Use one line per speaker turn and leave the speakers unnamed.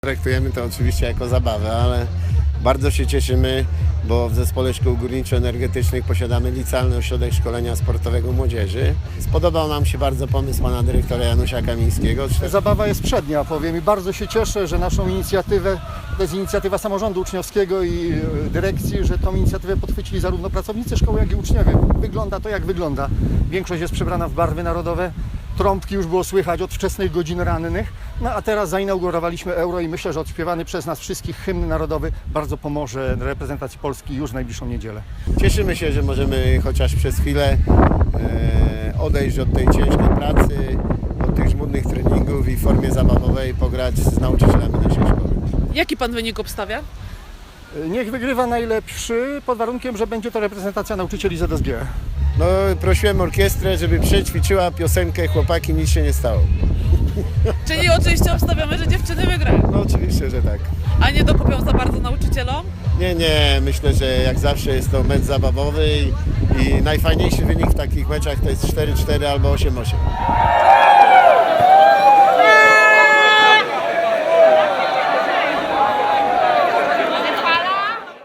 Traktujemy to oczywiście jako zabawę, ale bardzo się cieszymy, bo w Zespole Szkół Górniczo-Energetycznych posiadamy licealny ośrodek szkolenia sportowego młodzieży. Spodobał nam się bardzo pomysł pana dyrektora Janusia Kamińskiego.
Zabawa jest przednia, powiem, i bardzo się cieszę, że naszą inicjatywę, to jest inicjatywa samorządu uczniowskiego i dyrekcji, że tą inicjatywę podchwycili zarówno pracownicy szkoły, jak i uczniowie. Wygląda to jak wygląda. Większość jest przebrana w barwy narodowe. Trąbki już było słychać od wczesnych godzin rannych, no a teraz zainaugurowaliśmy Euro i myślę, że odśpiewany przez nas wszystkich hymn narodowy bardzo pomoże reprezentacji Polski już w najbliższą niedzielę.
Cieszymy się, że możemy chociaż przez chwilę odejść od tej ciężkiej pracy, od tych żmudnych treningów i w formie zabawowej pograć z nauczycielami naszej szkoły.
Jaki pan wynik obstawia?
Niech wygrywa najlepszy, pod warunkiem, że będzie to reprezentacja nauczycieli ZSG.
No, prosiłem orkiestrę, żeby przećwiczyła piosenkę "Chłopaki, nic się nie stało".
Czyli oczywiście obstawiamy, że dziewczyny wygrają.
No oczywiście, że tak.
A nie dokupią za bardzo nauczycielom?
Nie, myślę, że jak zawsze jest to mecz zabawowy i najfajniejszy wynik w takich meczach to jest 4-4 albo 8-8.